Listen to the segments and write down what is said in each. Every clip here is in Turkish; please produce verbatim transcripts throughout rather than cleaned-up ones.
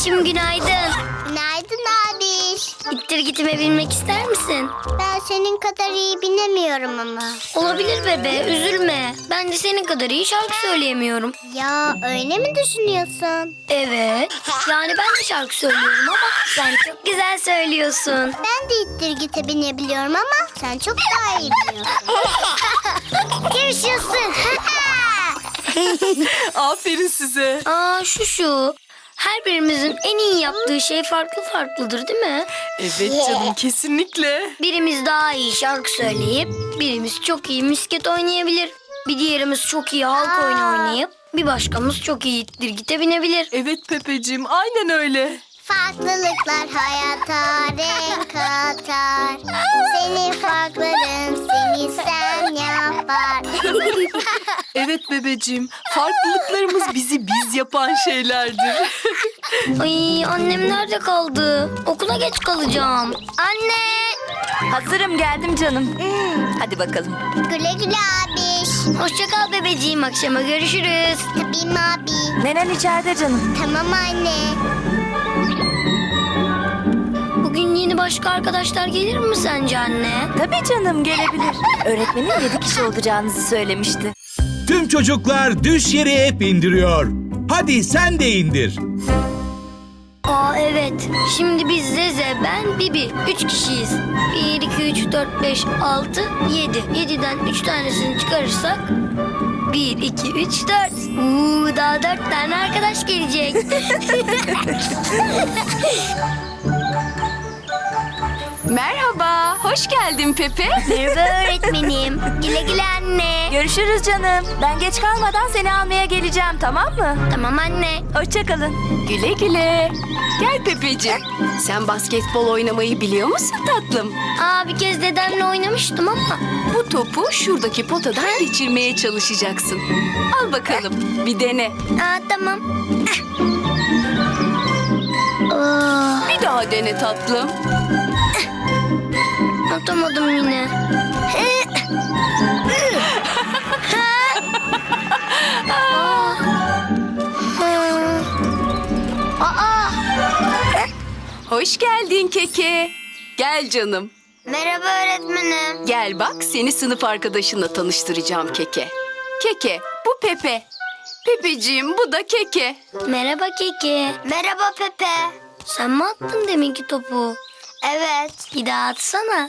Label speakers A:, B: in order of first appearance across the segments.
A: Bebişim günaydın.
B: Günaydın abiş.
A: İttir gitime binmek ister misin?
B: Ben senin kadar iyi binemiyorum ama.
A: Olabilir bebe, üzülme. Ben de senin kadar iyi şarkı söyleyemiyorum.
B: Ya öyle mi düşünüyorsun?
A: Evet. Yani ben de şarkı söylüyorum ama sen çok güzel söylüyorsun.
B: Ben de ittir gite binebiliyorum ama sen çok daha iyi biliyorsun. Görüşüyorsun.
C: Aferin size.
A: Aa şu şu. Her birimizin en iyi yaptığı şey farklı farklıdır değil mi?
C: Evet canım, kesinlikle.
A: Birimiz daha iyi şarkı söyleyip birimiz çok iyi misket oynayabilir. Bir diğerimiz çok iyi halk oyunu
B: Aa.
A: oynayıp bir başkamız çok iyi ittir gite binebilir.
C: Evet Pepeciğim, aynen öyle.
B: Farklılıklar hayata renk katar. Senin farkların seni sen yapar.
C: Evet bebeciğim, farklılıklarımız bizi biz yapan şeylerdir.
A: Ay annem nerede kaldı? Okula geç kalacağım. Anne!
D: Hazırım, geldim canım. Hadi bakalım.
B: Güle güle abiş.
A: Hoşça kal bebeciğim, akşama görüşürüz.
B: Tabii mi abi?
D: Nenen içeride canım.
B: Tamam anne.
A: Bugün yeni başka arkadaşlar gelir mi sence anne?
D: Tabii canım, gelebilir. Öğretmenin yedi kişi olacağınızı söylemişti.
E: Tüm çocuklar düş yeri app indiriyor. Hadi sen de indir.
A: Aa evet. Şimdi biz Zeze, ben, Bibi. Üç kişiyiz. Bir, iki, üç, dört, beş, altı, yedi. Yediden üç tanesini çıkarırsak... Bir, iki, üç, dört. Uuu daha dört tane arkadaş gelecek.
C: Merhaba, hoş geldin Pepe.
A: Merhaba öğretmenim. Güle güle anne.
D: Görüşürüz canım. Ben geç kalmadan seni almaya geleceğim, tamam mı?
A: Tamam anne.
D: Hoşça kalın.
C: Güle güle. Gel Pepeciğim, sen basketbol oynamayı biliyor musun tatlım?
A: Aa bir kez dedemle oynamıştım ama.
C: Bu topu şuradaki potadan geçirmeye çalışacaksın. Al bakalım, bir dene.
A: Aa tamam. Aa,
C: Bir daha dene tatlım.
A: atamadım yine. Aa,
C: Hoş geldin Keke. Gel canım.
A: merhaba öğretmenim.
C: Gel bak, seni sınıf arkadaşınla tanıştıracağım Keke. Keke, bu Pepe. Pepeciğim, bu da Keke.
A: Merhaba Keki. Merhaba Pepe. Sen mi attın deminki topu? Evet. Bir daha atsana.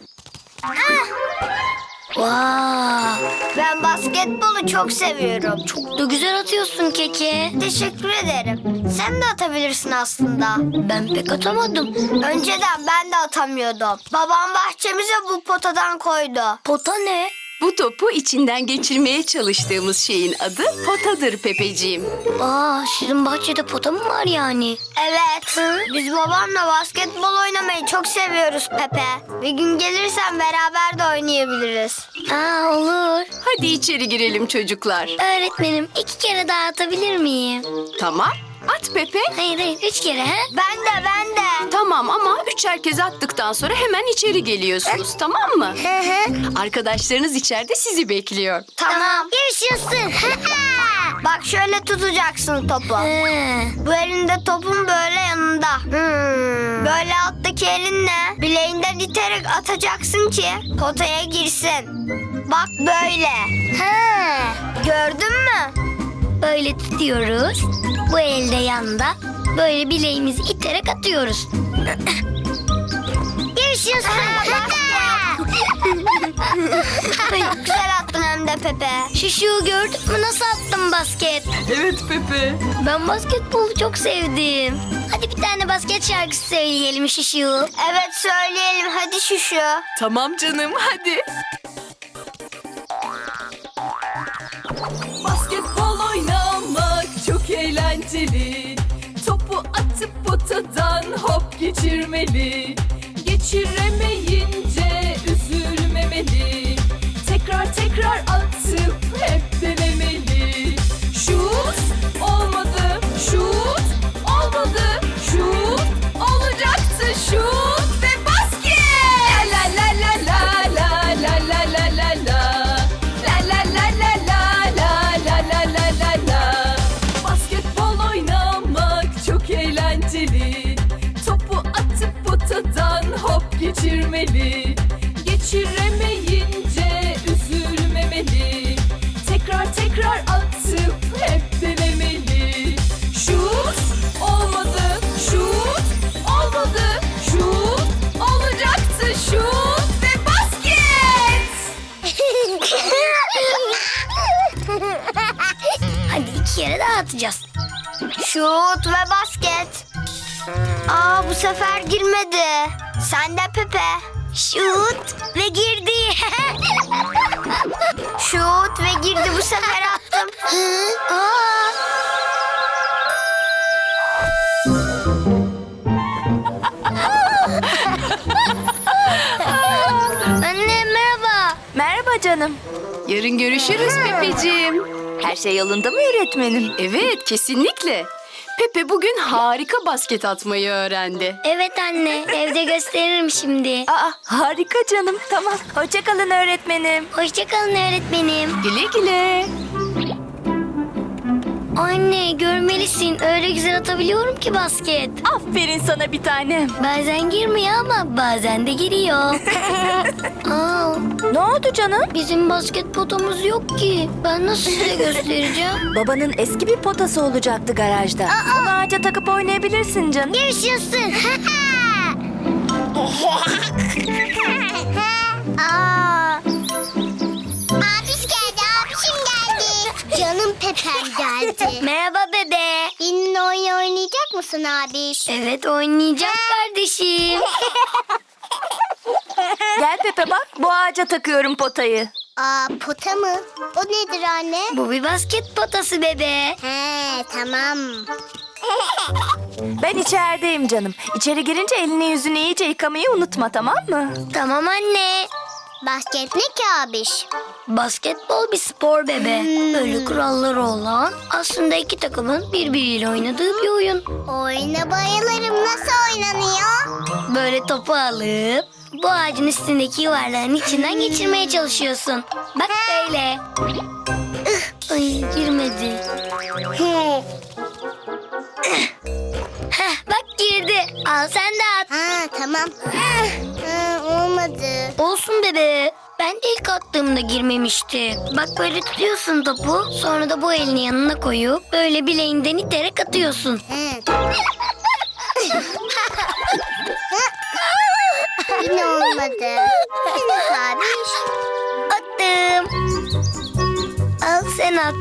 A: Vay.
B: Ben basketbolu çok seviyorum.
A: Çok da güzel atıyorsun Keki.
B: Teşekkür ederim. Sen de atabilirsin aslında.
A: Ben pek atamadım.
B: Önceden ben de atamıyordum. Babam bahçemize bu potadan koydu.
A: Pota ne?
C: Bu topu içinden geçirmeye çalıştığımız şeyin adı potadır Pepeciğim.
A: Aa, sizin bahçede pota mı var yani?
B: Evet. Biz babamla basketbol oynamayı çok seviyoruz Pepe. Bir gün gelirsen beraber de oynayabiliriz.
A: Aa, olur.
C: Hadi içeri girelim çocuklar.
A: Öğretmenim iki kere daha atabilir miyim?
C: Tamam, at Pepe.
A: Hayır hayır üç kere ha?
B: Ben de ben de.
C: Tamam ama üçer kez attıktan sonra hemen içeri geliyorsunuz, tamam mı? Arkadaşlarınız içeride sizi bekliyor.
B: Tamam. Yaşasın. Bak şöyle tutacaksın topu.
A: He.
B: Bu elinde topun böyle yanında.
A: Hmm.
B: Böyle alttaki elinle bileğinden iterek atacaksın ki potaya girsin. Bak böyle.
A: Ha.
B: Gördün mü?
A: Böyle tutuyoruz. Bu elde yanda. Böyle bileğimizi iterek atıyoruz.
B: Yaşasın. Çok güzel attın hem de Pepe.
A: Şuşu gördün mü nasıl attım basket?
C: Evet Pepe.
A: Ben basketbolu çok sevdim. Hadi bir tane basket şarkısı söyleyelim Şuşu.
B: Evet söyleyelim hadi şu şu.
C: Tamam canım, hadi. Basketbol oynamak çok eğlenceli. Topu atıp potadan hop geçirmeli. Geçiremeyince üzülmemeli. Tekrar tekrar atıp hep denemeli. Şut olmadı, şut olmadı, şut olacaktı, şut ve basket. La la la la la la la la la la. La la la la la la la la la la la. Basketbol oynamak çok eğlenceli. geçirmeli. Geçiremeyince üzülmemeli. Tekrar tekrar atıp hep denemeli. Şut olmadı, şut olmadı, şut olacaktı, şut ve basket.
A: Hadi iki kere daha atacağız.
B: Şut ve basket. Aa, bu sefer girmedi. Sen de Pepe.
A: Şut ve girdi.
B: Şut ve girdi, bu sefer attım.
A: Aa! Anne merhaba.
D: Merhaba canım.
F: Yarın görüşürüz Pepeciğim.
D: Her şey yolunda mı öğretmenim?
F: Evet, kesinlikle. Pepe bugün harika basket atmayı öğrendi.
A: Evet anne, evde gösteririm şimdi.
D: Aa, harika canım. Tamam. Hoşça kalın öğretmenim.
A: Hoşça kalın öğretmenim.
F: Güle güle.
A: Anne görmelisin, öyle güzel atabiliyorum ki basket.
D: Aferin sana bir tanem.
A: Bazen girmiyor ama bazen de giriyor. Aa,
D: Ne oldu canım?
A: bizim basket potamız yok ki. Ben nasıl size göstereceğim?
D: Babanın eski bir potası olacaktı garajda. Onu ağaca takıp oynayabilirsin canım.
A: Yaşasın.
B: Aa. Abiş geldi, abişim geldi. Canım Pepem geldi.
A: Merhaba bebe.
B: Benimle oyun oynayacak mısın abiş?
A: Evet oynayacağım kardeşim.
D: Gel Pepe bak, bu ağaca takıyorum potayı.
B: Aa, pota mı? O nedir anne?
A: Bu bir basket potası bebe.
B: He, tamam.
D: Ben içerideyim canım. İçeri girince elini yüzünü iyice yıkamayı unutma, tamam mı?
A: Tamam anne.
B: Basket ne ki abiş?
A: Basketbol bir spor bebe. Böyle kuralları olan, aslında iki takımın birbiriyle oynadığı bir oyun.
B: Oyuna bayılırım. Nasıl oynanıyor?
A: Böyle topu alıp bu ağacın üstündeki yuvarlağın içinden geçirmeye çalışıyorsun. Bak böyle. Ih, Ay girmedi. Heh, bak girdi. Al sen de at.
B: Ha, tamam. Ha, olmadı.
A: Olsun bebe. Ben de ilk attığımda girmemişti. Bak böyle tutuyorsun topu. Sonra da bu elini yanına koyup böyle bileğinden iterek atıyorsun.
B: He. Yine olmadı. Abiş.
A: Attım. Al sen at.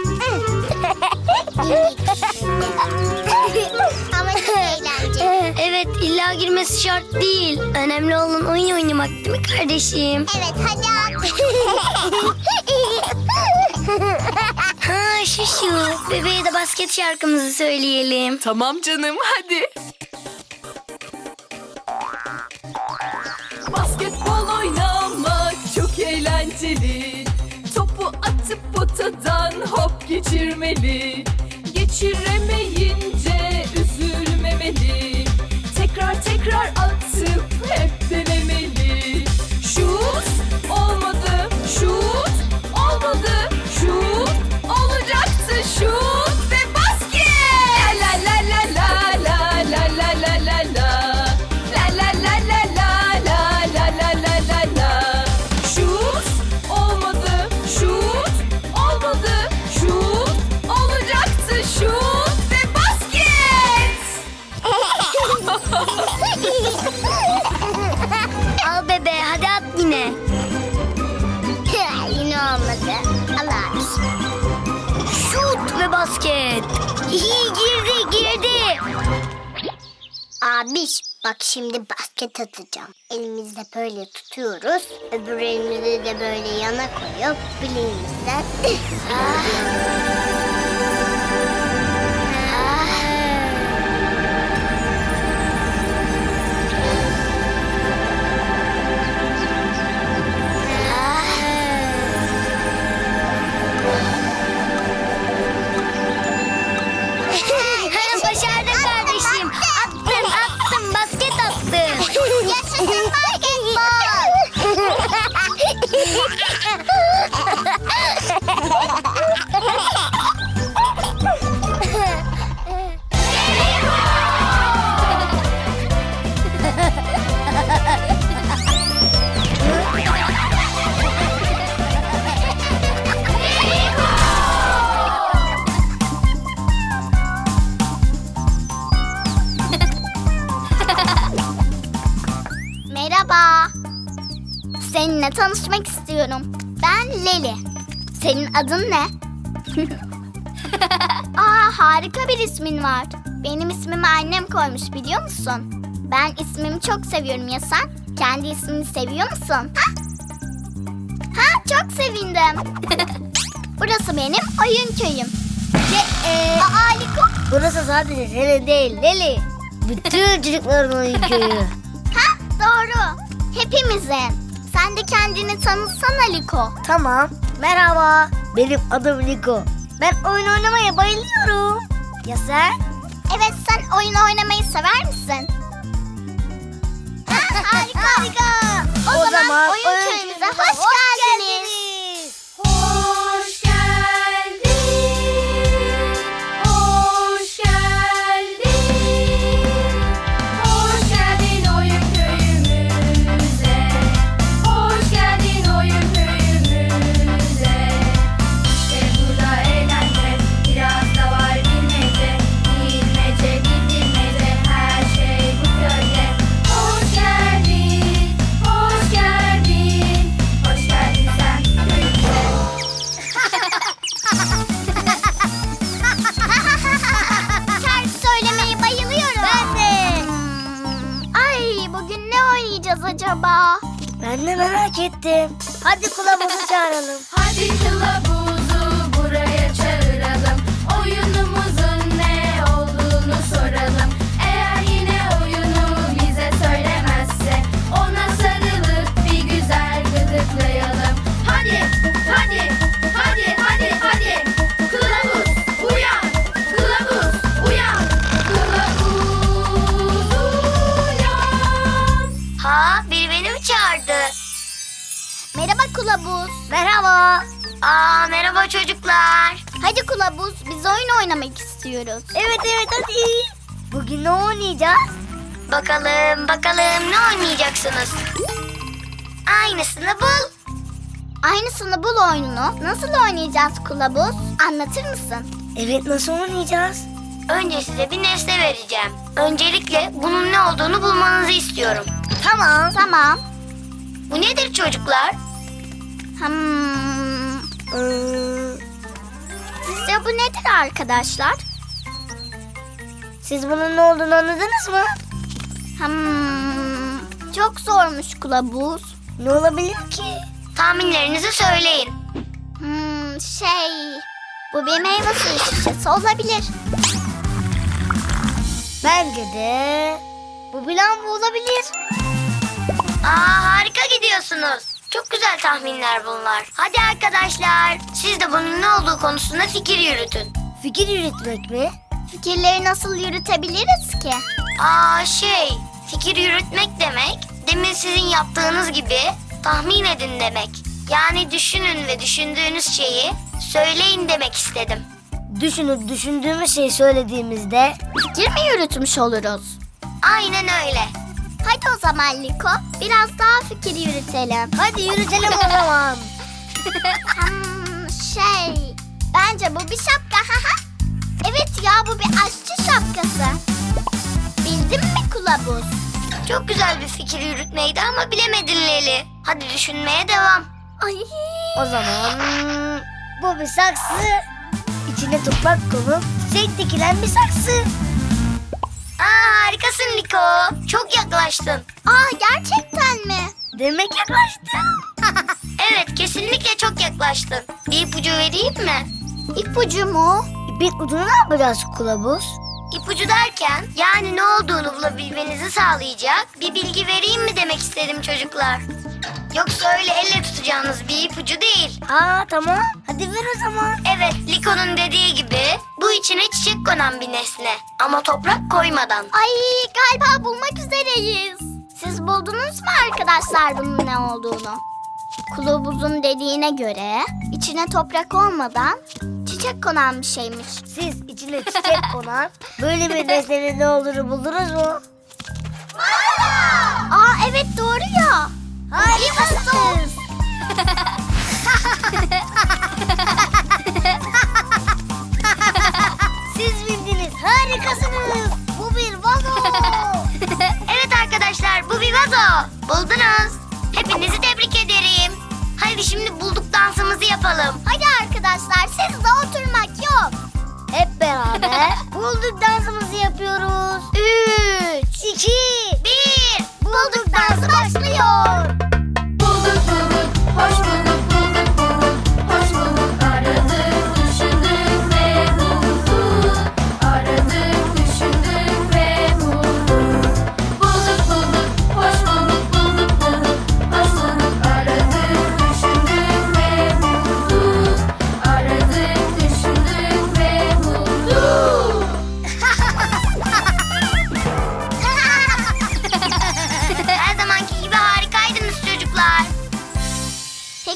B: Ama çok eğlenceli.
A: Evet illa girmesi şart değil. Önemli olan oyun oynamak değil mi kardeşim?
B: Evet, hadi at.
A: Ha şu şu. Bebeğe de basket şarkımızı söyleyelim.
F: Tamam canım, hadi.
C: Basketbol oynamak çok eğlenceli. Topu atıp potadan hop geçirmeli. Geçiremeyince üzülmemeli. Tekrar tekrar atıp hep denemeli. Şut olmadı, şut olmadı, şut olacaktı, şut ve basket. La la la la la la la la la la. La la la la la la la la la la la. Şut olmadı, şut olmadı, şut olacaktı, şut ve basket.
A: Al bebe hadi at yine.
B: Yine olmadı. Al abiş.
A: Şut ve basket. İyi girdi girdi.
B: Abiş, bak şimdi basket atacağım. Elimizde böyle tutuyoruz. Öbür elimizi de böyle yana koyup bileğimizden.
A: Başardın kardeşim. Attın attın basket attın.
B: Yaşasın basketbol. tanışmak istiyorum. Ben Leli. Senin adın ne? Aa, harika bir ismin var. Benim ismimi annem koymuş, biliyor musun? Ben ismimi çok seviyorum, ya sen? Kendi ismini seviyor musun? Ha? Ha, çok sevindim. Burası benim oyun köyüm. Ve, e... Aa, Liko.
A: Burası sadece senin değil Leli. Bütün çocukların oyun köyü.
B: Ha, doğru. Hepimizin. Sen de kendini tanıtsana Liko.
A: Tamam. Merhaba. Benim adım Liko. Ben oyun oynamaya bayılıyorum. Ya sen?
B: Evet, sen oyun oynamayı sever misin? Ha, harika. harika. O,
A: O
B: zaman,
A: zaman
B: oyun
A: oyun
B: köyümüze
A: köyümüze
B: hoş,
A: hoş
B: geldiniz.
C: Hoş geldin, hoş geldin, hoş geldin oyun köyümüze, hoş geldin oyun köyümüze. İşte burada eğlence, biraz da var bilmece, bilmece, bilmece, her şey bu köyde. Hoş geldin, hoş geldin, hoş geldin sen köyümüze.
B: Şarkı söylemeyi bayılıyorum. Ben de. Ay, bugün ne oynayacağız acaba?
A: Ben de merak ettim. Hadi kılavuzu çağıralım.
C: Hadi kılavuzu buraya çağıralım. Oyunumuzun ne olduğunu soralım. Eğer yine oyunu bize söylemezse ona sarılıp bir güzel gıdıklayalım. Hadi, hadi, hadi, hadi, hadi. Kılavuz uyan, kılavuz uyan, kılavuz uyan.
A: Ha, biri beni mi çağırdı?
B: Merhaba Kılavuz.
A: Merhaba. Aa, merhaba çocuklar.
B: Hadi Kılavuz, biz oyun oynamak istiyoruz.
A: Evet evet hadi. Bugün ne oynayacağız? Bakalım bakalım ne oynayacaksınız? Aynısını bul.
B: Aynısını bul oyununu nasıl oynayacağız Kılavuz? Anlatır mısın?
A: Evet, nasıl oynayacağız? Önce size bir nesne vereceğim. Öncelikle bunun ne olduğunu bulmanızı istiyorum. Tamam.
B: Tamam.
A: Bu nedir çocuklar?
B: Hmm.
A: Ee,
B: Sizce bu nedir arkadaşlar?
A: siz bunun ne olduğunu anladınız mı?
B: Hmm. Çok zormuş Kılavuz.
A: Ne olabilir ki? Tahminlerinizi söyleyin.
B: Hmm, şey... Bu bir meyve suyu şişesi olabilir.
A: Bence de bu bilan bu olabilir. Aa, harika gidiyorsunuz. Çok güzel tahminler bunlar. Hadi arkadaşlar, siz de bunun ne olduğu konusunda fikir yürütün. Fikir yürütmek mi?
B: Fikirleri nasıl yürütebiliriz ki?
A: Aa, şey, fikir yürütmek demek, demin sizin yaptığınız gibi tahmin edin demek. Yani düşünün ve düşündüğünüz şeyi söyleyin demek istedim. Düşünüp düşündüğümüz şeyi söylediğimizde
B: Fikir mi yürütmüş oluruz?
A: aynen öyle.
B: Hadi o zaman Liko, biraz daha fikir yürütelim.
A: Hadi yürütelim o zaman.
B: Hmm, şey... Bence bu bir şapka. Evet ya, bu bir aşçı şapkası. Bildin mi Kılavuz?
A: Çok güzel bir fikir yürütmeydi ama bilemedin Leli. Hadi düşünmeye devam.
B: Ay.
A: O zaman bu bir saksı. İçine toprak konup çiçek dikilen bir saksı. Aa, harikasın Liko. Çok yaklaştın.
B: Aa, gerçekten mi?
A: Demek yaklaştın. Evet, kesinlikle çok yaklaştın. Bir ipucu vereyim mi?
B: İpucu mu?
A: İpin ucunu ne yapacağız kılavuz? İpucu derken yani ne olduğunu bulabilmenizi sağlayacak bir bilgi vereyim mi demek istedim çocuklar. Yoksa öyle elle tutacağınız bir ipucu değil. Aa, tamam. Hadi ver o zaman. Evet, Liko'nun dediği gibi bu içine çiçek konan bir nesne. Ama toprak koymadan.
B: Ay, galiba bulmak üzereyiz. Siz buldunuz mu arkadaşlar bunun ne olduğunu? Kılavuzun dediğine göre içine toprak olmadan çiçek konan bir şeymiş.
A: Siz içine çiçek konan böyle bir nesnenin ne olduğunu buldunuz mu?
B: Aa, evet doğru ya.
A: Harikasınız. Siz bildiniz. Harikasınız. Bu bir vazo. Evet arkadaşlar, bu bir vazo. Buldunuz. Hepinizi tebrik ederim.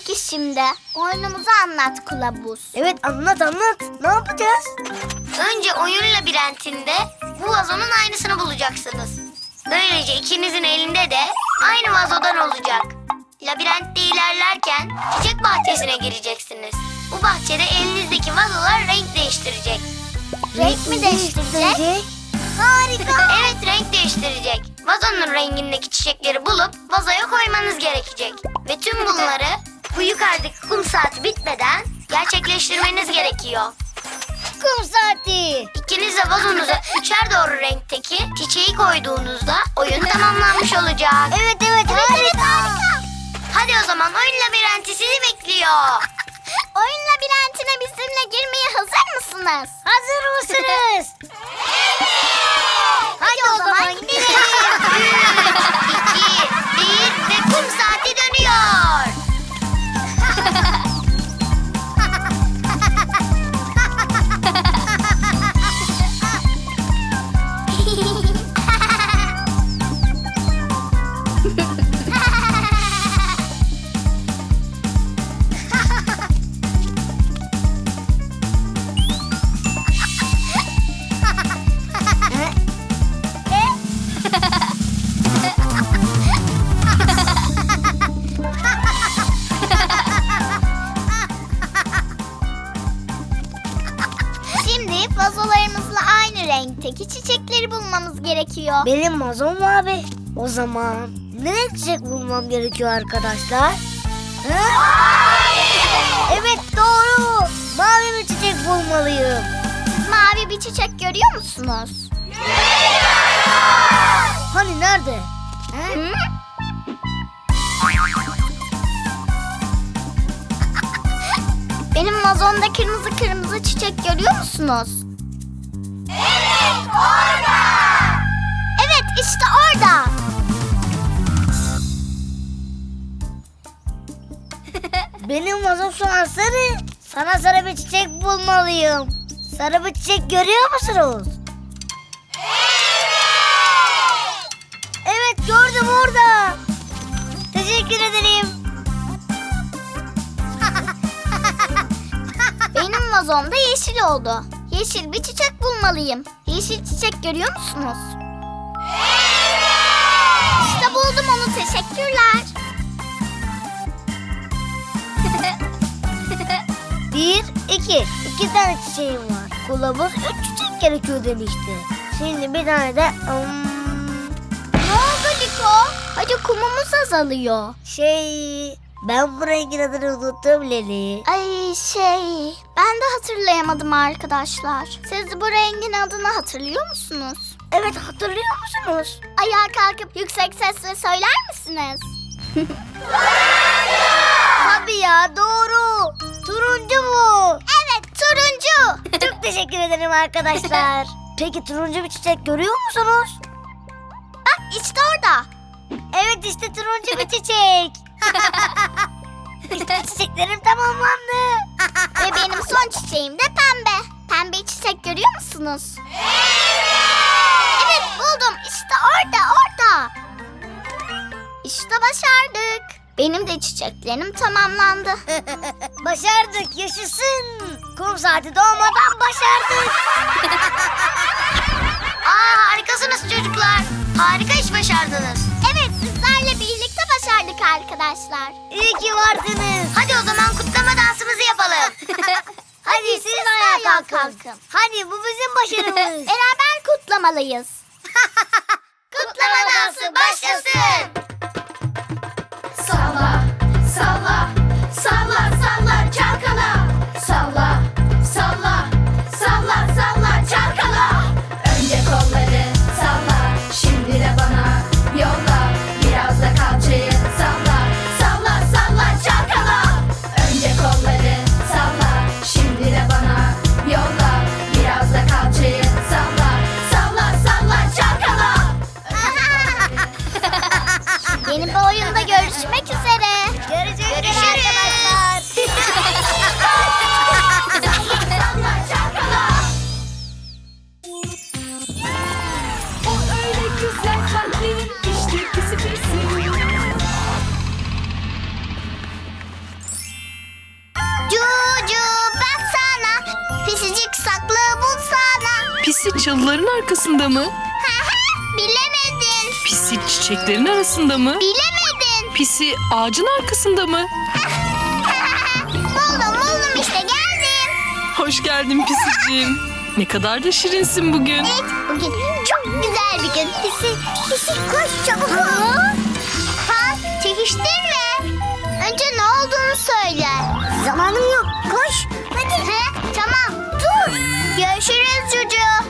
B: peki şimdi? Oyunumuzu anlat kılavuz.
A: Evet, anlat anlat. Ne yapacağız? Önce oyun labirentinde bu vazonun aynısını bulacaksınız. Böylece ikinizin elinde de aynı vazodan olacak. Labirentte ilerlerken çiçek bahçesine gireceksiniz. Bu bahçede elinizdeki vazolar renk değiştirecek.
B: Renk mi değiştirecek?
A: Harika. Evet, renk değiştirecek. Vazonun rengindeki çiçekleri bulup vazoya koymanız gerekecek. Ve tüm bunları bu yukarıdaki kum saati bitmeden gerçekleştirmeniz gerekiyor. Kum saati. İkiniz de vazonuza üçer doğru renkteki çiçeği koyduğunuzda oyun tamamlanmış olacak. Evet evet, harika. Evet, harika. Hadi o zaman oyun labirenti sizi bekliyor.
B: Oyun labirentine bizimle girmeye hazır mısınız?
A: Hazır mısınız?
B: Hadi o zaman gidelim.
A: İki, bir ve kum saati dönüyor.
B: Şimdi vazolarımızla aynı renkteki çiçekleri bulmamız gerekiyor.
A: Benim vazom mavi. O zaman ne renk çiçek bulmam gerekiyor arkadaşlar? Ha? Evet, doğru. Mavi bir çiçek bulmalıyım.
B: Siz mavi bir çiçek görüyor musunuz?
A: Hani nerede?
B: Hı? Benim vazomda kırmızı kırmızı çiçek görüyor musunuz? Evet, orada. Evet, işte orada.
A: Benim vazom şu an sarı. Sana sarı bir çiçek bulmalıyım. Sarı bir çiçek görüyor musunuz? Evet, gördüm orada. Teşekkür ederim.
B: Benim vazomda yeşil oldu. Yeşil bir çiçek bulmalıyım. Yeşil çiçek görüyor musunuz? İşte buldum onu, teşekkürler.
A: Bir, iki. İki tane çiçeğim var. Kılavuz üç çiçek gerekiyor demişti. Şimdi bir tane de... hmm,
B: Ne oldu Liko? Hadi kumumuz azalıyor.
A: şey... Ben bu rengin adını unuttum Leli.
B: Ay şey, ben de hatırlayamadım arkadaşlar. Siz bu rengin adını hatırlıyor musunuz?
A: Evet, hatırlıyor musunuz?
B: Ayağa kalkıp yüksek sesle söyler misiniz?
A: Tabii ya, doğru. Turuncu bu.
B: Evet, turuncu.
A: Çok teşekkür ederim arkadaşlar. Peki turuncu bir çiçek görüyor musunuz?
B: Bak işte orada.
A: Evet, işte turuncu bir çiçek. İşte çiçeklerim tamamlandı.
B: Ve benim son çiçeğim de pembe. Pembe çiçek görüyor musunuz? Evet, buldum. İşte orada, orada. İşte başardık. Benim de çiçeklerim tamamlandı.
A: Başardık, yaşasın. Kum saati doğmadan başardık. Aa, harikasınız çocuklar. Harika iş başardınız.
B: Evet, sizlerle birlikte başardık arkadaşlar.
A: İyi ki varsınız. Hadi o zaman kutlama dansımızı yapalım. Hadi siz de ayağa kalkın. Hadi, bu bizim başarımız.
B: Beraber kutlamalıyız.
A: Kutlama dansı başlasın.
C: Salla, salla, salla, salla çalkala. Salla, salla, salla, salla çalkala. Önce kolları salla, şimdi de bana yolla. Biraz da kalçayı salla, salla, salla çalkala. Önce kolları salla, şimdi de bana yolla. Biraz da kalçayı salla, salla, salla çalkala.
B: Yeni
C: Pisi çalıların arkasında mı?
B: Bilemedin.
C: Pisi çiçeklerin arasında mı?
B: Bilemedin.
C: Pisi ağacın arkasında mı?
B: buldum buldum işte geldim.
C: Hoş geldin Pisiciğim. Ne kadar da şirinsin bugün.
B: Evet bugün çok güzel bir gün. Pisi, pisi koş çabuk ol. Ha çekiştirme. Önce ne olduğunu söyle. Zamanım yok koş. Hadi. He, tamam dur. Görüşürüz Cucu.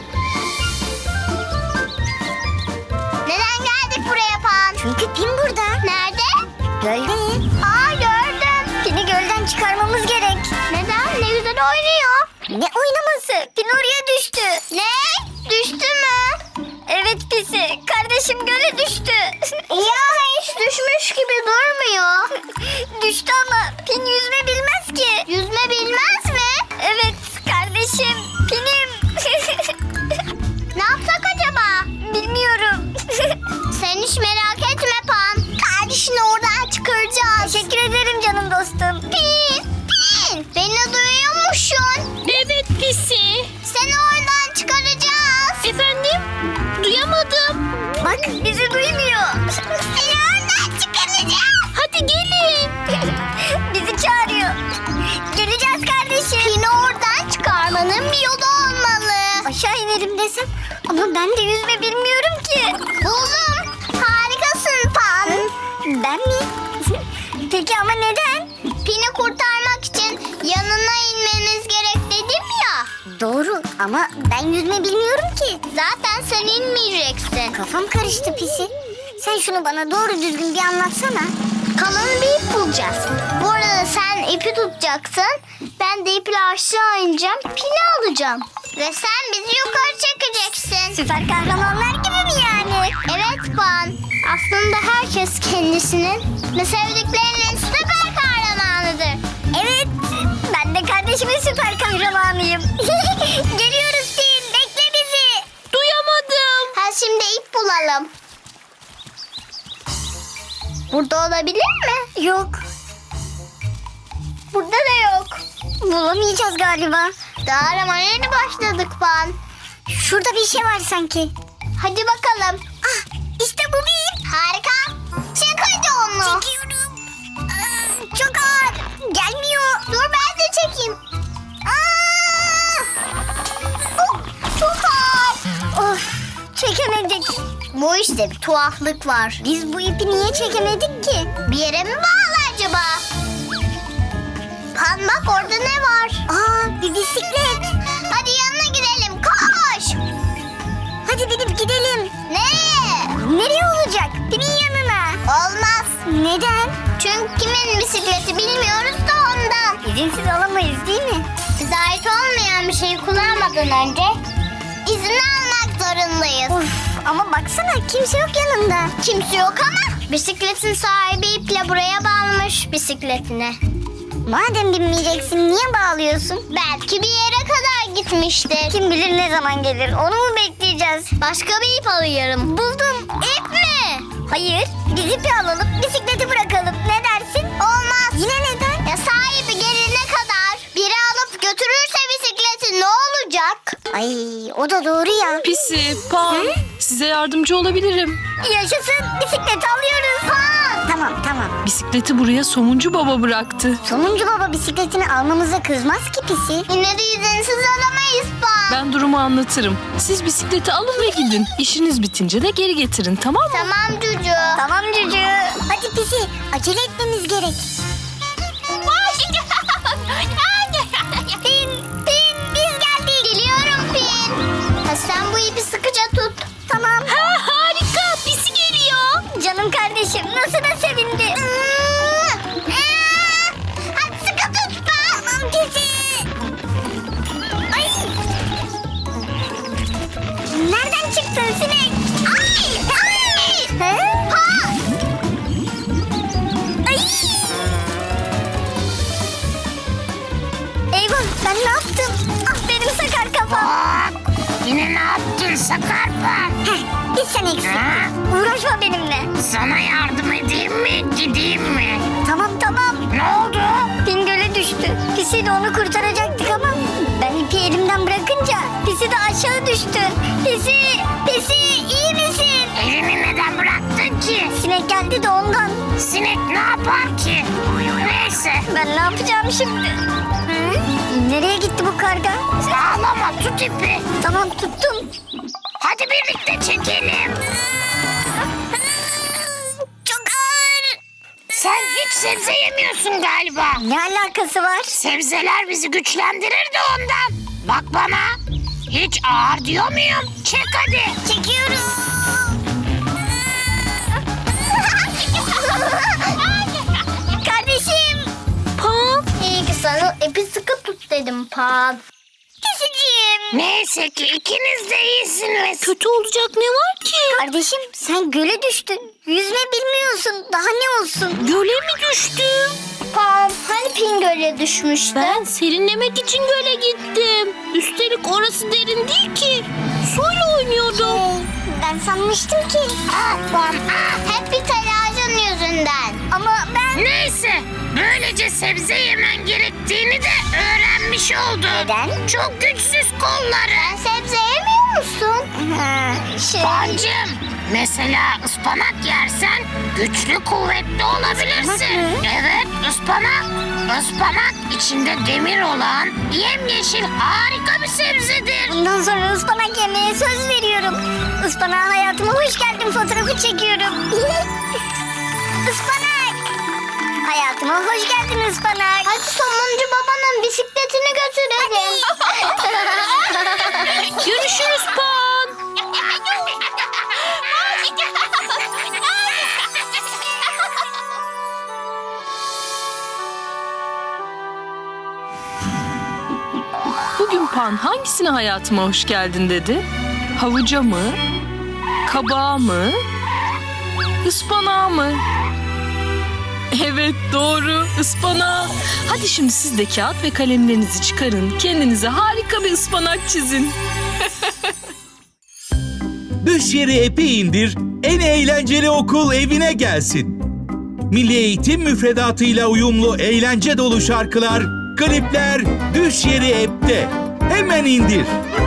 B: Neden geldik buraya Pan? Çünkü Pin burada. Nerede? Gölde. Aa gördüm. Pin'i gölden çıkarmamız gerek. Neden? Ne güzel oynuyor. Ne oynaması? Pin oraya düştü. Ne? Düştü mü?
A: Evet Pisi, kardeşim göle düştü.
B: Ya hiç düşmüş gibi durmuyor.
A: Düştü ama Pin yüzme bilmez ki.
B: Yüzme bilmez mi?
A: Evet kardeşim, Pin'im.
B: Ne yapsak acaba?
A: Bilmiyorum.
B: Sen hiç merak etme Pan. Kardeşini oradan çıkaracağız.
A: Teşekkür ederim canım dostum.
B: Pin, Pin. Beni duyuyor musun?
C: Evet Pisi.
B: Seni oradan çıkaracağız.
C: Efendim? Duyamadım.
A: Bak bizi duymuyor.
B: Seni oradan çıkaracağız.
A: Hadi gelin. Bizi çağırıyor. Geleceğiz kardeşim.
B: Pin'i oradan çıkarmanın bir yolu olmalı.
A: Aşağı inelim desem ama ben de yüzme bilmiyorum ki.
B: Buldum. Harikasın Pan.
A: Ben mi? Peki ama neden?
B: Pin'i kurtarmak için yanına inmeniz gerek dedim ya.
A: Doğru ama ben yüzme bilmiyorum ki.
B: Zaten sen inmeyeceksin.
A: Kafam karıştı Pisi. Sen şunu bana doğru düzgün bir anlatsana.
B: Kalın bir ip bulacağız. Bu arada sen ipi tutacaksın. Ben de iple aşağı ineceğim. Pini alacağım. Ve sen bizi yukarı çekeceksin.
A: Süper kahramanlar gibi mi yani?
B: Evet Pan. Aslında herkes kendisinin ve sevdiklerinin süper kahramanıdır.
A: Evet. Ben de kardeşimin süper kahramanıyım. Geliyoruz Pin. Bekle bizi.
C: Duyamadım.
B: Ha şimdi ip bulalım. Burada olabilir mi?
A: Yok.
B: Burada da yok.
A: Bulamayacağız galiba.
B: Daha aramaya yeni başladık Pan.
A: Şurada bir şey var sanki.
B: Hadi bakalım.
A: Ah, işte bu bir ip.
B: Harika. Çek hadi onu.
A: Çekiyorum. Aa, çok ağır. Gelmiyor.
B: Dur ben de çekeyim. Aa! Oh, çok ağır.
A: Of, çekemedik.
B: Bu işte bir tuhaflık var.
A: Biz bu ipi niye çekemedik ki?
B: Bir yere mi bağlı acaba? Pan bak orada ne var?
A: Aa, bir bisiklet.
B: Hadi yanına gidelim koş.
A: Hadi binip gidelim.
B: Nereye?
A: Nereye olacak? Pin'in yanına.
B: Olmaz.
A: Neden?
B: Çünkü kimin bisikleti bilmiyoruz da ondan.
A: İzinsiz alamayız değil mi?
B: Bize ait olmayan bir şeyi kullanmadan önce izin almak zorundayız.
A: Of, ama baksana kimse yok yanında.
B: Kimse yok ama bisikletin sahibi iple buraya bağlamış bisikletini.
A: Madem binmeyeceksin niye bağlıyorsun?
B: Belki bir yere kadar gitmiştir.
A: Kim bilir ne zaman gelir onu mu bekleyeceğiz?
B: Başka bir ip alıyorum.
A: Buldum.
B: İp mi?
A: Hayır biz ipi alalım bisikleti bırakalım ne dersin?
B: Olmaz.
A: Yine neden?
B: Ya sahibi gelene kadar biri alıp götürürse bisikleti ne olacak?
A: Ay o da doğru ya.
C: Pisi, Pan. Size yardımcı olabilirim.
A: Yaşasın bisikleti alıyoruz. Ha. Tamam tamam.
C: Bisikleti buraya Somuncu Baba bıraktı.
A: Sonuncu baba bisikletini almamıza kızmaz ki Pisi.
B: Yine de izinsiz alamayız Pan.
C: Ben durumu anlatırım. Siz bisikleti alın ve gidin. İşiniz bitince de geri getirin, tamam mı?
B: Tamam Cucu.
A: Tamam Cücü. Hadi Pisi acele etmemiz gerek. Pin, Pin biz geldik.
B: Geliyorum Pin. Ha, sen bu ipi sıkıca tut.
A: Tamam.
B: Harika pisi geliyor.
A: Canım kardeşim nasıl da sevindi.
B: Hadi sıkı tut Pan.
A: Tamam Pisi. Ay. Nereden çıktın sinek?
B: Ay! Ay!
A: He?
B: Ha!
A: Ay. Eyvah ben ne yaptım? Ah benim sakar kafam.
G: Yine ne yaptın Sakarpa?
A: Heh, bir sen eksik. Uğraşma benimle.
G: Sana yardım edeyim mi, gideyim mi?
A: Tamam tamam.
G: Ne oldu?
A: Pin göle düştü. Pisi de onu kurtaracaktık ama ben ipi elimden bırakınca Pisi de aşağı düştü.
G: yapar ki? Neyse.
B: Ben ne yapacağım şimdi? Hı? Nereye gitti bu karga?
G: Ağlama, tut ipi.
B: Tamam tuttum.
G: Hadi birlikte çekelim.
B: Çok ağır.
G: Sen hiç sebze yemiyorsun galiba.
B: Ne alakası var?
G: Sebzeler bizi güçlendirir de ondan. Bak bana. Hiç ağır diyor muyum? Çek hadi.
B: Çekiyorum. Kardeşim. Pan. İyi ki sana ipi sıkı tut dedim Pan. Pisiciğim.
G: Neyse ki ikiniz de iyisiniz.
B: Kötü olacak ne var ki? Kardeşim sen göle düştün. Yüzme bilmiyorsun. Daha ne olsun? Göle mi düştün? Pan hani Pin göle düşmüştü? Ben serinlemek için göle gittim. Üstelik orası derin değil ki. Suyla oynuyordum. Ben sanmıştım ki.
G: Ah Pan, ah.
B: Hep bir telaşın yüzünden. Ama ben...
G: Neyse. Böylece sebze yemen gerektiğini de öğrenmiş oldun.
B: Neden?
G: Çok güçsüz kolları.
B: Sebze yemiyor musun? şey...
G: Pancım, mesela ıspanak yersen güçlü kuvvetli olabilirsin.
B: mı?
G: Evet, ıspanak. Ispanak içinde demir olan yemyeşil harika bir sebzedir.
B: Bundan sonra ıspanak yemeye söz veriyorum. Ispanağa hayatıma hoş geldin fotoğrafı çekiyorum. Ispanak. Hayatıma hoş geldin ıspanak. Hadi somuncu babanın bisikletini götürelim. Görüşürüz Pan.
C: Bugün Pan hangisine hayatıma hoş geldin dedi? Havuca mı? Kabağa mı? Ispanağa mı? Evet doğru, ıspanağa. Hadi şimdi siz de kağıt ve kalemlerinizi çıkarın. Kendinize harika bir ıspanak çizin.
E: Düş yeri app'i indir, en eğlenceli okul evine gelsin. Milli Eğitim müfredatıyla uyumlu eğlence dolu şarkılar, klipler Düş yeri app'te. Hemen indir.